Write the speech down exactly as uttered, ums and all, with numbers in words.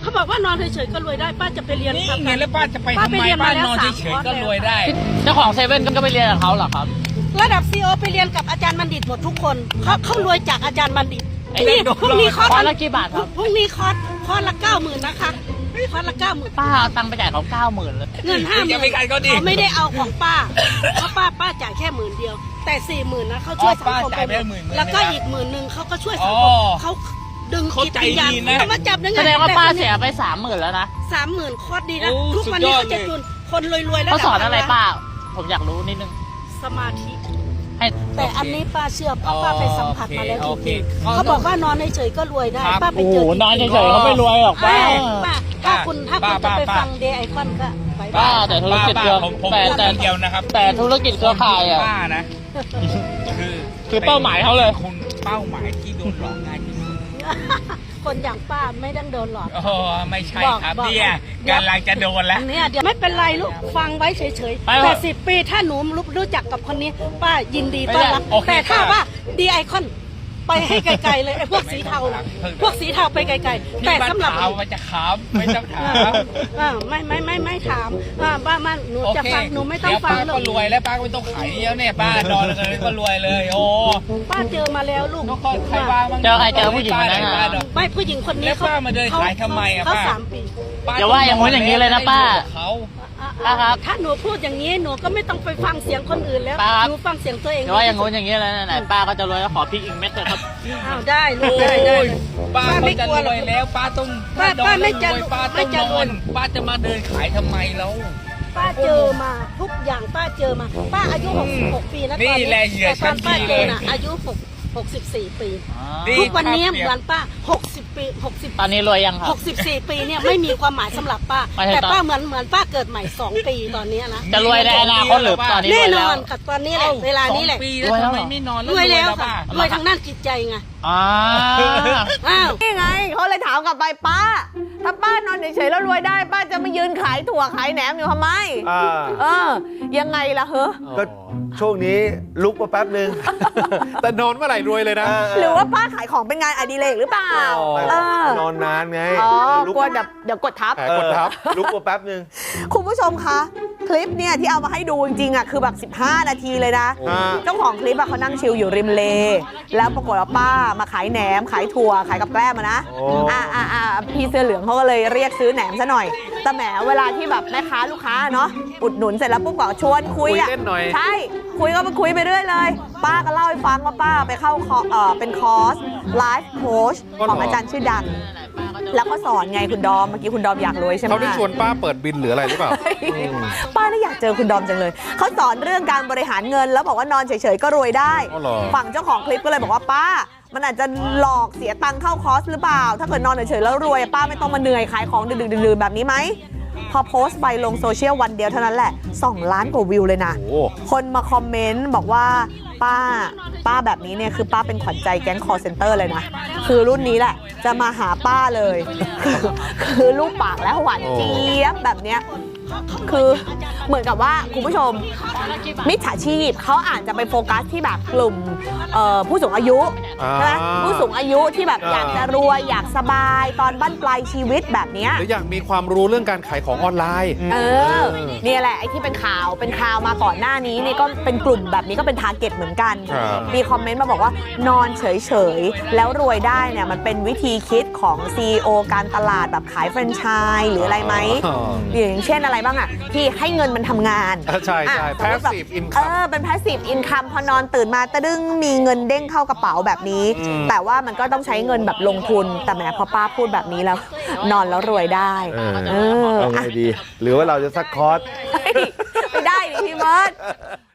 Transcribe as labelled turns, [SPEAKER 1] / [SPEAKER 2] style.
[SPEAKER 1] เขาบอกว่านอนเฉยๆก็รวยได้ป้าจะไปเรียนนี่
[SPEAKER 2] ไงแล้วป้าจะไปทำไมป้านอนเฉยๆก็รวยได้
[SPEAKER 3] เจ้าของเซเว่นก็ไปเรียนกับเขาเหรอครับ
[SPEAKER 1] ระดับซีอีโอไปเรียนกับอาจารย์บัณฑิตหมดทุกคนเขาเขารวยจากอาจารย์บัณฑิตนี่พรุ่งนี้คอร์ส
[SPEAKER 3] ละกี่บาทครับ
[SPEAKER 1] พรุ่งนี้คอร์สคอร์สละเก้าหมื่นนะคะคอร์สละเก้าหมื่น
[SPEAKER 3] ป้าเอาตังค์ไปจ่ายเขาเก้าหมื่นเลย
[SPEAKER 1] เงินห้าหมื่นเขาไม่ได้เอาของป้าเพราะป้าป้าจ่ายแค่หมื่นเดียวแต่สี่หมื่นนะเขาช่วยสังคมไปแล้วก็อีกหมื่นหนึ่งเขาก็ช่วยสังคมเขาดึงจิตวิญญาณเขามาจับได้ไง
[SPEAKER 3] แสดงว่าป้าเสียไปสามหมื่นแล้วนะ
[SPEAKER 1] สามหมื่นคอร์สดีนะทุกวันนี้เขาจะจุนคนรวยๆแล้ว
[SPEAKER 3] เขาสอนอะไรป้าผมอยากรู้นิดนึง
[SPEAKER 1] สมาธิแต่อันนี้ป้าเชื่อเพราะป้าไปสัมผัสมาแล้วจริงๆเขาบอกว่านอนเฉยๆก็รวยได้ป้าไปเจอน
[SPEAKER 3] อนเฉยๆเขาไม่รวยหรอกป้า
[SPEAKER 1] ถ้าคุณถ้าคุณจะไปฟังเดย์ไอคอนก็ไป
[SPEAKER 3] ป้าแต่ธุรกิจเครือแต่แต่
[SPEAKER 2] เดียวนะครับ
[SPEAKER 3] แต่ธุรกิจเครือข่ายอ่ะ
[SPEAKER 2] ป้านะคือ
[SPEAKER 3] คือเป้าหมายเขาเลย
[SPEAKER 2] คุณเป้าหมายที่โดนหลอกง่ายที่สุด
[SPEAKER 1] คนอย่างป้าไม่ต้องโดนหลอก
[SPEAKER 2] อ๋อไม่ใช่ครับเนี่ยกำลังจะโดนแล้ว
[SPEAKER 1] เนี่ยเดี๋ยวไม่เป็นไรลูกฟังไว้เฉยๆแต่สิบปีถ้าหนูรู้จักกับคนนี้ป้ายินดีต้อนรับแต่ถ้าว่าดีไอคอนไปให้ไกลๆเลยไอ้พวกสีเทาพวกสีเทาไปไกลๆแต่สำหรับ
[SPEAKER 2] เราจะขามไม่ต้องถาม
[SPEAKER 1] ไม่ไม่ไม่ไม่ถามป้ามันหนูจะฟังหนูไม่ต้องฟังหรอก
[SPEAKER 2] ก็รวยแล้วป้าก็ไม่ต้องขายแล้วเนี่ยป้านอนเลยก็รวยเลยโอ้
[SPEAKER 1] ป้าเจอมาแล้วลูก
[SPEAKER 2] ใครบ้าง
[SPEAKER 3] เจอใครเจอผู้หญิงคนนั้น
[SPEAKER 1] ไม่ผู้หญิงคนนี้
[SPEAKER 2] เขามาเดินขายทำไมอ่ะ
[SPEAKER 1] เขาสามปี
[SPEAKER 3] อย่าว่าอย่างนู้นอย่างนี้เลยนะป้า
[SPEAKER 2] เขา
[SPEAKER 1] ครับถ้าหนูพูดอย่างนี้หนูก็ไม่ต้องไปฟังเสียงคนอื่นแล้วหนูฟังเสียงตัวเอง
[SPEAKER 3] อย่าว่าอย่างนู้นอย่างนี้เลยนะไหนป้าก็จะรวยแล้วขอพริกอีกเม็ดเลยครับ
[SPEAKER 1] อ้าวได้ลูกได้ได้
[SPEAKER 2] ป้าไม่จะรวยแล้วป้าต้อง
[SPEAKER 1] ป้าป้าไม่จะ
[SPEAKER 2] ป้าต้องนอนป้าจะมาเดินขายทำไมแล้ว
[SPEAKER 1] ป้าเจอมาทุกอย่างป้าเจอมาป้าอายุหกสิบหกปีนะตอนนี้แต่ตอนป้าเจอน่ะอายุหกหกสิบสี่ปีทุกวันนี้เหมือนป้าหกสิบปีหกสิบ
[SPEAKER 3] ตอนนี้รวยยังครับ
[SPEAKER 1] หกสิบสี่ปีเนี่ยไม่มีความหมายสำหรับป้าแต่ป้าเหมือนเหมือนป้าเกิดใหม่สองปีตอนนี้นะ
[SPEAKER 3] จะรวยในอนาคตหรือตอนนี้
[SPEAKER 1] แน่นอนกับตอนนี้แหละเวลานี้แหละ
[SPEAKER 2] รวยแล้วไม่นอน
[SPEAKER 1] รวยแล้วค่ะรวยทางด้านจิตใจไง
[SPEAKER 3] อ้
[SPEAKER 1] าว
[SPEAKER 4] นี่ไงเขาเลยถามกลับไปป้าถ้าป้านอนเฉยๆแล้วรวยได้ป้าจะมายืนขายถั่วขายแหนมอยู่ทำไมเออยังไงล่ะเฮ้อ
[SPEAKER 5] ก็ช่วงนี้ลุกมาแป๊บนึง
[SPEAKER 6] แต่นอนเมื่อไหร่รวยเลยนะ
[SPEAKER 4] หรือว่าป้าขายของเป็นงานอดิเรกหรือเปล่าน
[SPEAKER 5] อนนานไง
[SPEAKER 4] อ๋อกลัวเดี๋ยวเดี๋ยวกดทับ
[SPEAKER 5] กดทับลุกมาแป๊บนึง
[SPEAKER 4] คุณผู้ชมคะคลิปเนี่ยที่เอามาให้ดูจริงๆอ่ะคือแบบสิบห้านาทีเลยนะเจ้าของคลิปอ่ะเขานั่งชิลอยู่ริมเลแล้วปรากฏว่าป้ามาขายแหนมขายถั่วขายกับแกล้มนะอ่าอ่าอ่าพี่เสื้อเหลืองเขาก็เลยเรียกซื้อแหนมซะหน่อยแต่แหมเวลาที่แบบแม่ค้าลูกค้าเนาะอุดหนุนเสร็จแล้วปุ๊บก็ชวนคุยอ่ะใช่คุยก็ไปคุยไปเรื่อยเลยป้าก็เล่าให้ฟังว่าป้าไปเข้าเอ่อเป็นคอร์สไลฟ์โค้ชของอาจารย์ชื่อดังแล้วก็สอนไงคุณดอมเมื่อกี้คุณดอมอยากรวยใช่ไหม
[SPEAKER 6] เขาได้ชวนป้าเปิดบินหรืออะไรหรือเปล่า
[SPEAKER 4] ป้าน่าอยากเจอคุณดอมจังเลยเขาสอนเรื่องการบริหารเงินแล้วบอกว่านอนเฉยๆก็รวยได้ฝั่งเจ้าของคลิปก็เลยบอกว่าป้ามันอาจจะหลอกเสียตังค์เข้าคอร์สหรือเปล่าถ้าเกิดนอนเฉยๆแล้วรวยป้าไม่ต้องมาเหนื่อยขายของดึกๆดื่นๆแบบนี้ไหมพอโพสต์ไปลงโซเชียลวันเดียวเท่านั้นแหละสองล้านกว่าวิวเลยนะคนมาคอมเมนต์บอกว่าป้าป้าแบบนี้เนี่ยคือป้าเป็นขวัญใจแก๊งคอลเซ็นเตอร์เลยนะคือรุ่นนี้แหละจะมาหาป้าเลยคือคือลูกปากและหวานเจี๊ยบแบบเนี้ยคือเหมือนกับว่าคุณผู้ชมมิจฉาชีพเขาอาจจะไปโฟกัสที่แบบกลุ่มผู้สูงอายุใช่ไหมผู้สูงอายุที่แบบอยากจะรวยอยากสบายตอนบั้นปลายชีวิตแบบนี้
[SPEAKER 6] หรืออยากมีความรู้เรื่องการขายของออนไลน์
[SPEAKER 4] เออนี่แหละไอ้ที่เป็นข่าวเป็นข่าวมาก่อนหน้านี้นี่ก็เป็นกลุ่มแบบนี้ก็เป็นทาร์เก็ตเหมือนกันมีคอมเมนต์มาบอกว่านอนเฉยๆแล้วรวยได้เนี่ยมันเป็นวิธีคิดของ ซี อี โอ การตลาดแบบขายแฟรนไชส์หรืออะไรไหมอย่างเช่นอะไรบ้างอ่ะที่ให้เงินมันทำงาน
[SPEAKER 6] ใช่ใช่ passive income
[SPEAKER 4] เออเป็น passive income พอนอนตื่นมาตะดึงมีเงินเด้งเข้ากระเป๋าแบบนี้แต่ว่ามันก็ต้องใช้เงินแบบลงทุนแต่แหมพอป้าพูดแบบนี้แล้วนอนแล้วรวยได้
[SPEAKER 5] เออเอาไงดีหรือว่าเราจะซักคอร์ส
[SPEAKER 4] ไม่ได้ดิพี่เบิร์ด